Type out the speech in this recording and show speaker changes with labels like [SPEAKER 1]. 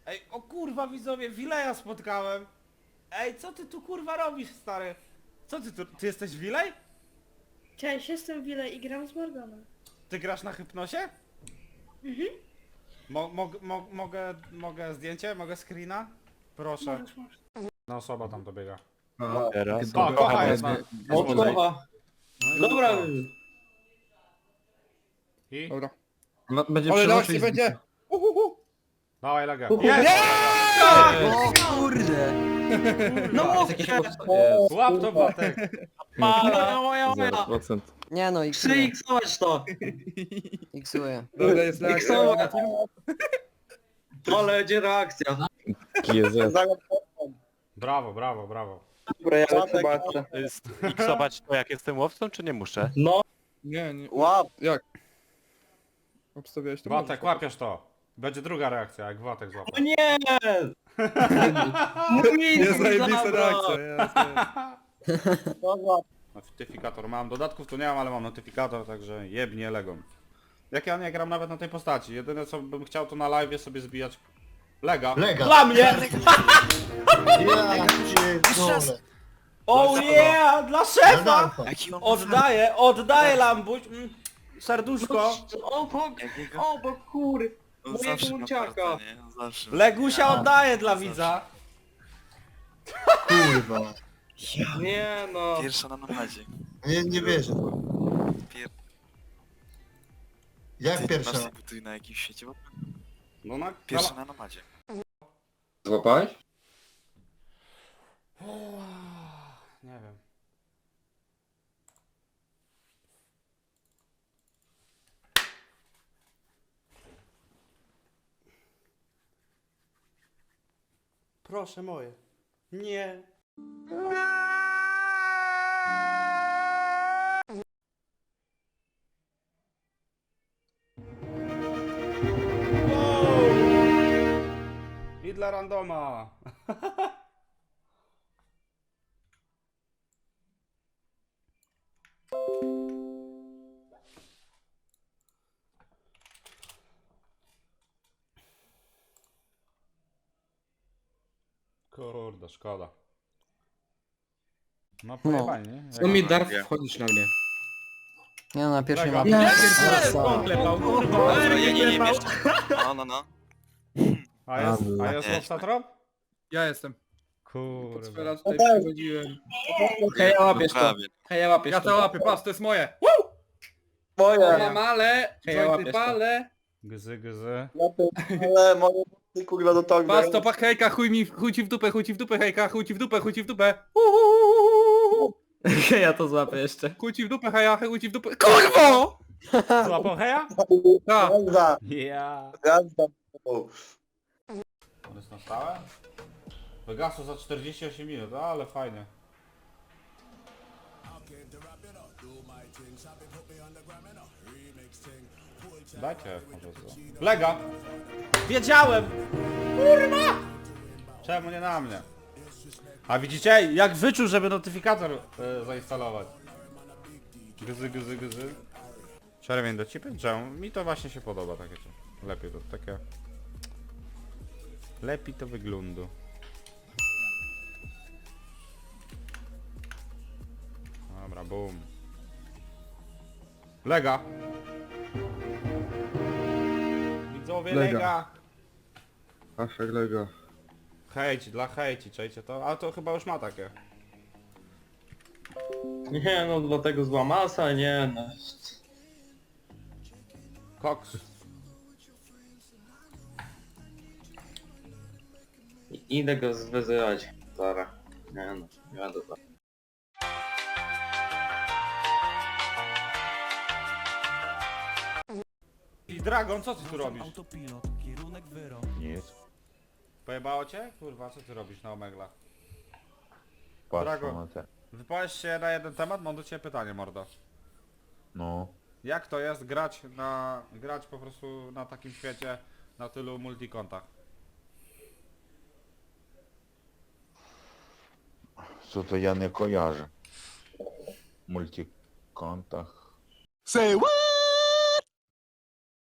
[SPEAKER 1] Ej, o kurwa widzowie, Wileja spotkałem. Ej, co ty tu kurwa robisz, stary? Co ty tu, ty jesteś Wilej?
[SPEAKER 2] Cześć, jestem Wile i gram z Morganem.
[SPEAKER 1] Ty grasz na hypnosie? Mogę zdjęcie? Mogę screena? Proszę.
[SPEAKER 2] Możesz.
[SPEAKER 1] No osoba tam dobiega.
[SPEAKER 3] Teraz.
[SPEAKER 1] O, kocha jest.
[SPEAKER 4] O, kocha.
[SPEAKER 1] No
[SPEAKER 4] Dobra.
[SPEAKER 1] I?
[SPEAKER 3] Dobra.
[SPEAKER 4] Będzie
[SPEAKER 3] Ale
[SPEAKER 4] przenosić
[SPEAKER 3] reakcji będzie!
[SPEAKER 1] Dawaj legę.
[SPEAKER 4] Uhu.
[SPEAKER 1] Jest!
[SPEAKER 5] O kurde!
[SPEAKER 4] No,
[SPEAKER 1] Łap to Batek.
[SPEAKER 4] moja.
[SPEAKER 6] 0%.
[SPEAKER 5] Nie no, iksuję.
[SPEAKER 4] Przyiksować to.
[SPEAKER 5] Iksuję.
[SPEAKER 3] Dobra, jest reakcja.
[SPEAKER 4] Iksować. Ale będzie reakcja.
[SPEAKER 6] GZ.
[SPEAKER 1] Brawo, brawo, brawo.
[SPEAKER 4] Dobra, ja zobaczę.
[SPEAKER 7] Iksować to jak jestem łowcą, czy nie muszę?
[SPEAKER 4] No,
[SPEAKER 3] Nie.
[SPEAKER 4] łap.
[SPEAKER 3] Jak? Obstawiałeś to?
[SPEAKER 1] Watek, łapiesz to. Będzie druga reakcja, jak Watek
[SPEAKER 4] O
[SPEAKER 1] złapał.
[SPEAKER 4] nie! Mój
[SPEAKER 3] Jest zajebista reakcja, jest.
[SPEAKER 1] Notyfikator mam, dodatków tu nie mam, ale mam notyfikator, także jebnie legą. Jak ja nie gram nawet na tej postaci, jedyne co bym chciał to na live sobie zbijać lega. Dla mnie!
[SPEAKER 8] Ja pierdolę.
[SPEAKER 1] Oh yeah! Dla szefa!
[SPEAKER 5] Jaki on
[SPEAKER 1] Oddaję Lambuś. Serduszko.
[SPEAKER 4] Obok kur. Mojego uciaka.
[SPEAKER 1] Legusia oddaję dla widza.
[SPEAKER 8] Kurwa.
[SPEAKER 4] Nie no.
[SPEAKER 9] Pierwsza na napadzie.
[SPEAKER 8] Nie wierzę. Jak
[SPEAKER 9] Ty
[SPEAKER 8] pierwsza?
[SPEAKER 9] masz się buduj na jakimś świecie? Bo
[SPEAKER 1] No na...
[SPEAKER 9] pierwsza na napadzie.
[SPEAKER 6] Złapałeś?
[SPEAKER 1] Nie wiem. Proszę moje. Nie. I dla randoma. Kurde, szkoda. No pojebanie, nie?
[SPEAKER 4] Co mi dar
[SPEAKER 9] Ja.
[SPEAKER 4] wchodzisz na mnie?
[SPEAKER 5] Nie no, na pierwszej
[SPEAKER 1] Lega.
[SPEAKER 5] mapie.
[SPEAKER 1] Klepał, kurwa.
[SPEAKER 9] Dobra, ja nie wiem jeszcze. No.
[SPEAKER 1] A jest Loftatrop?
[SPEAKER 3] Ja jestem.
[SPEAKER 1] Kurwa.
[SPEAKER 3] Teraz tutaj przychodziłem.
[SPEAKER 4] Hej, ja
[SPEAKER 9] No
[SPEAKER 4] łapiesz to.
[SPEAKER 9] prawie.
[SPEAKER 4] Hej, ja łapiesz
[SPEAKER 3] Ja to łapię, patrz, to jest moje!
[SPEAKER 4] Moja.
[SPEAKER 3] Mam ale,
[SPEAKER 4] Hej, ja
[SPEAKER 3] jointy
[SPEAKER 4] łapiesz to.
[SPEAKER 3] palę.
[SPEAKER 1] Gzy.
[SPEAKER 4] Ale mogę kurwa do togu.
[SPEAKER 3] Patrz to, hejka, chuj ci w dupę, hejka, chuj ci w dupę.
[SPEAKER 4] Ja to złapię jeszcze.
[SPEAKER 3] Chuj ci w dupę, heja, chuj ci w dupę. Kurwo!
[SPEAKER 1] Złapał heja?
[SPEAKER 3] Tak.
[SPEAKER 1] Ja. On jest na stałe? Wygasło za 48 minut, ale fajnie. Dajcie może co. Lega! Wiedziałem! Kurwa! Czemu nie na mnie? A widzicie, jak wyczuł, żeby notyfikator zainstalować. Gzy. Czerwień do cipy? Czemu? Mi to właśnie się podoba takie coś. Lepiej to takie... Lepiej to wygląda. Dobra, boom. Lega! Widzowie, lega!
[SPEAKER 6] Haszek Lego.
[SPEAKER 1] Hejci, dla hejci, czajcie to? Ale to chyba już ma takie.
[SPEAKER 4] Nie no, dlatego zła masa, nie no.
[SPEAKER 1] Koks.
[SPEAKER 4] Idę go zwyzywać. Zaraz. Nie no, nie będę to.
[SPEAKER 1] I Dragon, co ty tu robisz?
[SPEAKER 7] Nic.
[SPEAKER 1] Pojebało cię? Kurwa, co ty robisz na Omegla?
[SPEAKER 6] Patrz
[SPEAKER 1] Drago.
[SPEAKER 6] na te.
[SPEAKER 1] Wypowiesz się na jeden temat, mam do ciebie pytanie, mordo.
[SPEAKER 6] No.
[SPEAKER 1] Jak to jest grać po prostu na takim świecie, na tylu multikontach?
[SPEAKER 6] Co to ja nie kojarzę. W multikontach.
[SPEAKER 8] Say what?